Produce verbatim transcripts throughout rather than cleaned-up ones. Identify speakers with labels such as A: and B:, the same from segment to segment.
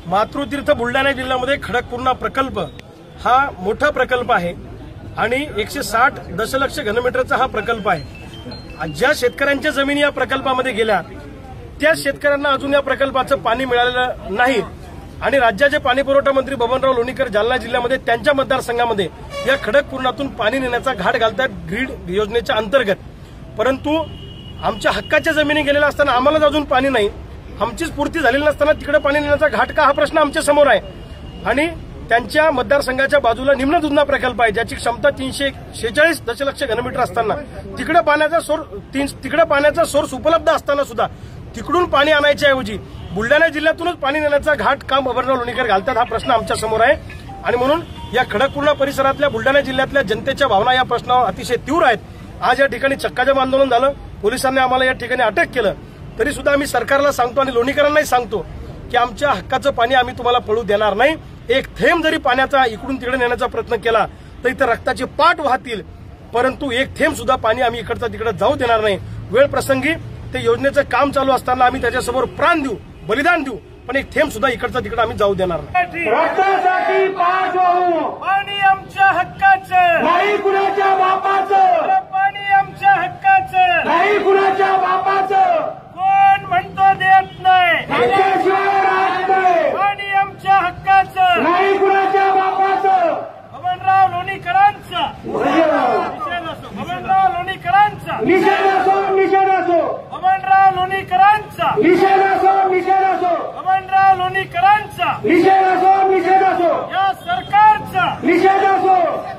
A: मातृतीर्थ बुलढाणा जिल्ह्यामध्ये खडकपूर्णा प्रकल्प हा मोठा प्रकल्प आहे आणि एकशे साठ दशलक्ष घनमीटरचा हा प्रकल्प आहे। ज्या शेतकऱ्यांच्या जमिनी या प्रकल्पामध्ये गेल्या त्या शेतकऱ्यांना अजून या प्रकल्पाचं पाणी मिळालेलं नाही आणि राज्याचे पाणी पुरवठा मंत्री बबनराव लोणीकर जालना जिल्ह्यामध्ये त्यांच्या मतदारसंघामध्ये या खडकपूर्णातून पाणी नेण्याचा घाट घालतात ग्रीड योजनेच्या अंतर्गत। परंतु आमच्या हक्काच्या जमिनी गेलेल्या असताना आम्हालाच अजून पाणी नाही, आमचीच पूर्ती झालेली नसताना तिकडे पाणी नेण्याचा घाट का, हा प्रश्न आमच्या समोर आहे। आणि त्यांच्या मतदारसंघाच्या बाजूला निम्न दुधना प्रकल्प आहे ज्याची क्षमता तीनशे शेहेचाळीस दशलक्ष घनमीटर असताना तिकडे पाण्याचा सोर्स तिकडे पाण्याचा सोर्स उपलब्ध असताना सुद्धा तिकडून पाणी आणायच्या ऐवजी बुलढाणा जिल्ह्यातूनच पाणी नेण्याचा घाट काम बबनराव लोणीकर घालतात, हा प्रश्न आमच्या समोर आहे। आणि म्हणून या खडकपूर्णा परिसरातल्या बुलढाणा जिल्ह्यातल्या जनतेच्या भावना या प्रश्नावर अतिशय तीव्र आहेत। आज या ठिकाणी चक्काजाम आंदोलन झालं, पोलिसांनी आम्हाला या ठिकाणी अटक केलं, तरी सुद्धा आम्ही सरकारला सांगतो आणि लोणीकरांनाही सांगतो की आमच्या हक्काचं पाणी आम्ही तुम्हाला पळू देणार नाही। एक थेंब जरी पाण्याचा इकडून तिकडे नेण्याचा प्रयत्न केला तर इथं रक्ताची पाट वाहतील, परंतु एक थेंब सुद्धा पाणी आम्ही इकडचं तिकडे जाऊ देणार नाही। वेळ प्रसंगी ते योजनेचं काम चालू असताना आम्ही त्याच्यासमोर प्राण देऊ, बलिदान देऊ, पण एक थेंब सुद्धा इकडचं तिकडे आम्ही जाऊ देणार नाही।
B: रक्तासाठी पाठ वाहू,
C: पाणी आमच्या हक्काचं
B: नाही कुणाच्या बापाचं,
C: पाणी आमच्या हक्काचं
B: नाही कुणाच्या बापाचं,
C: कोण म्हणतो देत नाही,
B: त्याच्याशिवाय राहत नाही,
C: पाणी आमच्या हक्काचं
B: नाही कुणाच्या बापाचं,
C: बबनराव लोणीकरांचा निषेध असो, बबनराव लोणीकरांचा
B: निषेध असो निषेध असो,
C: बबनराव लोणीकरांचा
B: निषेध असो निषेध असो,
C: बबनराव लोणीकरांचा
B: निषेध असो निषेध असो,
C: या सरकारचा
B: निषेध असो,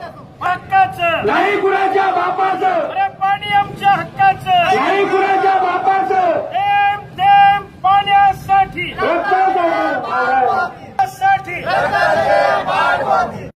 C: हक्काचं
B: नाही कुणाच्या बापाचं,
C: अरे पाणी आमच्या हक्काचं,
B: नाही कुणाच्या बापाचं,
C: थेंब थेंब पाण्यासाठी
B: रक्तासाठी
C: साठी